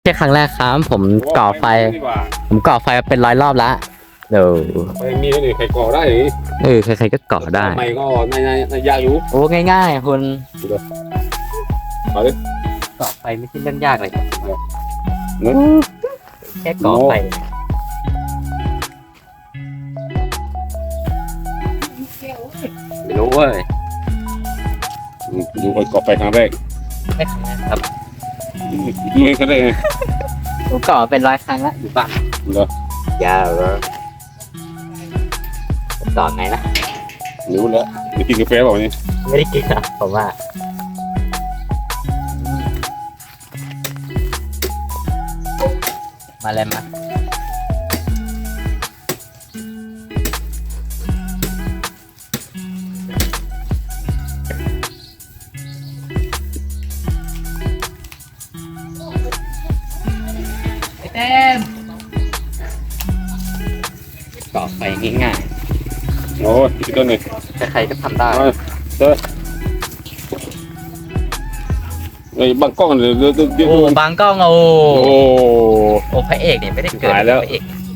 ใช่ครั้งแรกครับผมก่อไฟเป็น100 รอบแล้วเดี๋ยวไปมีคนอื่นใครก่อได้หรือใครๆก็ก่อได้ไม่ก็ในยากอยู่โอ้ง่ายๆคุณมาดิก่อไฟไม่ใช่เรื่องยากเลยเนื้อแค่ก่อไฟไม่รู้เว้ยดูคนก่อไฟครั้งแรกไม่ครั้งแรกครับไม่ครั้งแรกไงผมก่อเป็น100 ครั้งแล้วอยู่บ้านเหรอยาวเลยก่อไงนะรู้แล้วจะกินกาแฟเปล่าเนี่ยไม่ได้กินนะผมว่ามาเลยมาเต็มก่อไฟง่ายโอ้ยกินต้นเลยๆใครๆก็ทำได้ไอ้บางกล้องเลยเดี๋ยวโอ้บางกล้องโอ้โอ้โอ้พระเอกเนี่ยไม่ได้เกิดหายแล้วพระเอก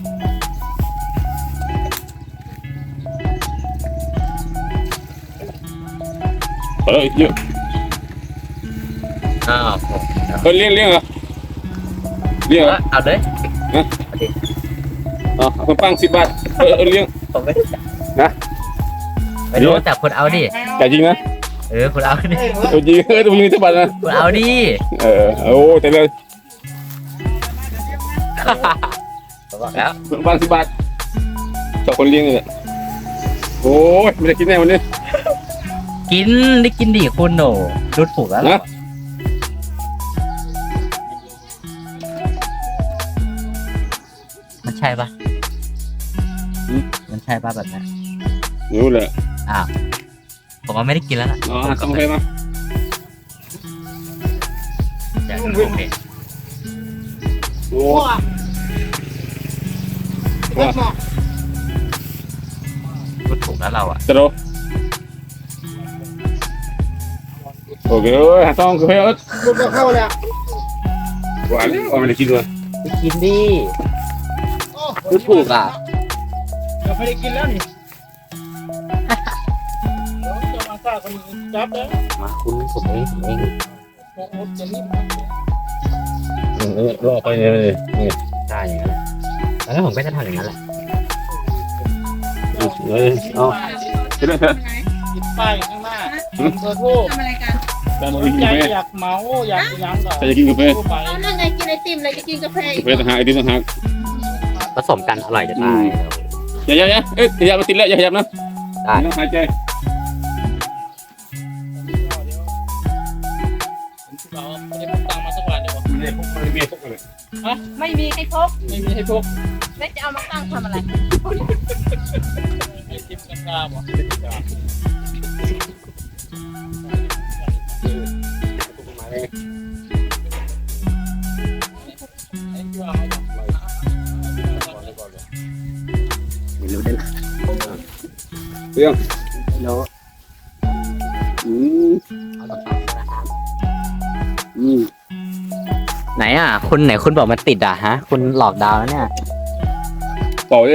เยอะอ้าวเลี้ยงเหรอเลี้ยงเหรอเอาเลยอ๋อคนปัง10 บาทเลี้ยงผมไม่ได้จับนะไม่รู้จับคุณเอาดิแต่จริงนะคุณเอาดิตัวจริงตัวจริง10 บาทนะคุณเอาดิโอ้แต่เลยผมบอกแล้วคนปัง10 บาทชอบคนเลี้ยงเลยโอ้ยไม่ได้กินแน่วันนี้กินได้กินดิคุณโหนดูถูกแล้วเหรอนะมันใช่ปะมันใช่ปะแบบนั้นรู้เลยอ้าวผมว่าไม่ได้กินแล้วล่ะอ๋อทำไมมาอยากดูโอเคโอ้ว่าดูถูกแล้วเราอ่ะจะโดโอเคเอ้ยต้องกาแฟเอ้ยลูกก็เข้าแล้วหวานแล้วไม่ได้กินด้วยไปกินดิดูถูกอ่ะเดี๋ยวไม่ได้กินแล้วนี่เดี๋ยวจะมาซ่าคนนี้จับแล้วมาคุณผมเองโอ้โหจะรีบรอไปเนี่ยนี่ใช่อย่างนั้นแหละแล้วผมก็จะทำอย่างนั้นแหละเอาไปเลยเถอะติดป้ายข้างหน้าเบอร์โทรทำอะไรกันแต่มาสกินนใจกาแฟอยากเหมาอยากหยังก็ใครจะกินกาแฟโทรไปเอานั่นไงกินไอติมเลยจะกินกาแฟอีกกาแฟต่างหากไอติมต่างหากผสมกันอร่อยจะตายอย่าเอ้ยอย่ามาติดแล้วอย่าขยับนะได้ต้องหายใจเราไม่ได้พกตังค์มาสักวันเดียวไม่ได้พกไม่มีพกเลยไม่มีให้พกไม่มีให้พกแล้วจะเอามาตั้งทำอะไรไอติมกันกาบ่ไอ้ที่ว่าเอาไปไม่รู้ได้ละเรื่องไม่รู้อืมเอาต่อนะครับอืมไหนอ่ะคุณบอกมันติดอ่ะฮะ คุณหลอกดาวแล้วเนี่ยเป่าเลย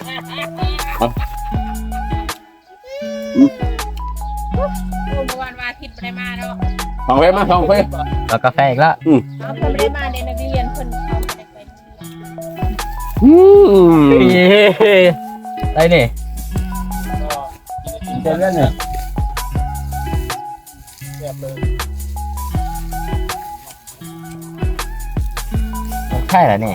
โอ้เมื่อวานวันอาทิตย์ไม่ได้มาเนาะทองเฟมาทองเฟแล้วกาแฟอีกแล้วเอาคนไม่ได้มาในนักเรียนคนเขาไม่ได้ไปเย้ได้นี่ก็กินไอติมเจอเรื่องเนี่ยแบบเลยใช่แล้วเนี่ย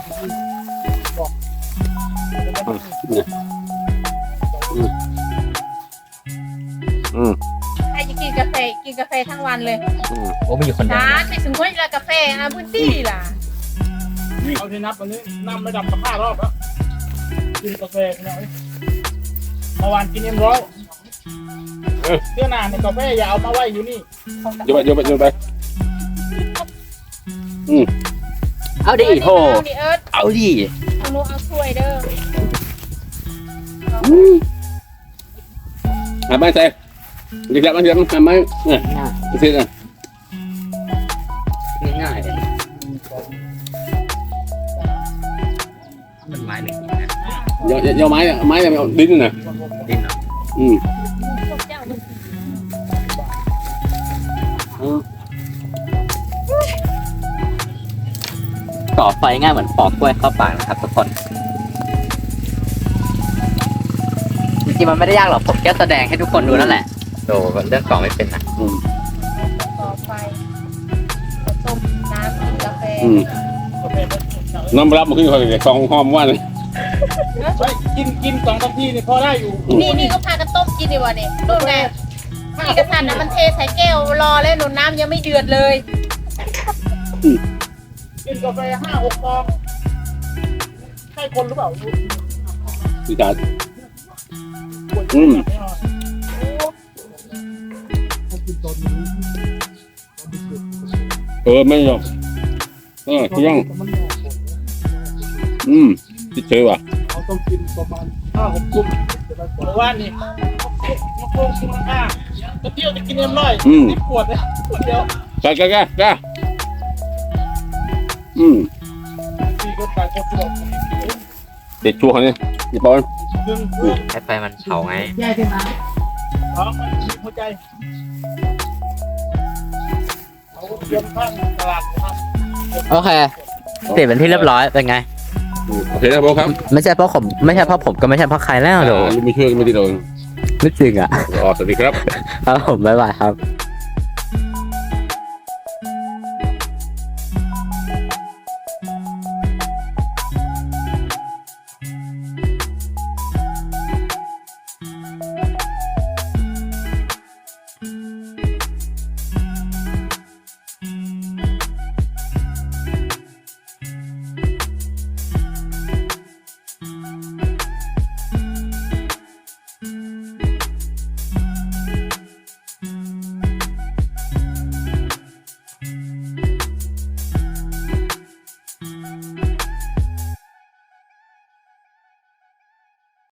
ใครจะกินกาแฟทั้งวันเลยโอ้ไม่อยู่คนเดียวร้านไม่สมควรจะกาแฟอาบุญตี้ล่ะเอาที่นับวันนี้นับไม่ดับสัก5 รอบแล้วกินกาแฟกันแล้วเมื่อวานกินM100เสื้อหนาในกาแฟอย่าเอามาไว้อยู่นี่โยนไปเอาดิโถเอาดิเอิร์ธเอาดิเอาหนูเอาถ้วยเด้อไม่ใส่เดี๋ยวมันไม่เนี่ยง่ายเสร็จอ่ะง่ายเลยมันไม้หนึ่งนะยอไม้เนี่ยไม้เนี่ยดิ้นน่ะดินเหรออืมพวกเจ้ามันก่อไฟง่ายเหมือนปอกกล้วยเข้าปากนะครับทุกคนจริงๆมันไม่ได้ยากหรอกผมแค่แสดงให้ทุกคนดูนั่นแหละโดเรื่องก่อไม่เป็นนะต่อไฟต้มน้ำกินกาแฟกาแฟมันน้ำรับมันขึ้นคอยเลยกองหอมว่าเลยไปกิน2 นาทีนี่พอได้อยู่นี่ก็พากันต้มกินดีกว่านี่ต้มแน่นี่กระทันนะมันเทใส่แก้วรอแล้วหนุนน้ำยังไม่เดือดเลยกินกาแฟ5-6 ฟองใช่คนหรือเปล่าดีจัด ไม่ยอมเที่ยงติดเชื้อว่ะเราต้องกินประมาณ5-6 กลุ่มเพราะว่านี่มาโค้งกินข้าวจะเที่ยวจะกิน10 ขวดเลยขวดเดียวแกพี่ก็ตายก็สลบเด็ดชัวร์นี่อย่าปอนดึงให้ไฟมันเผาไงท้องมันมีหัวใจเขาเตรียมข้างตลาดนะครับโอเคติดเป็นที่เรียบร้อยเป็นไงโอเคนะโบครับไม่ใช่เพราะผมไม่ใช่เพราะผมก็ไม่ใช่เพราะใครแล้วเดี๋ยวไม่ช่วยไม่ติดโดนไม่จริงอ่ะสวัสดีครับครับผมบ๊ายบายครับ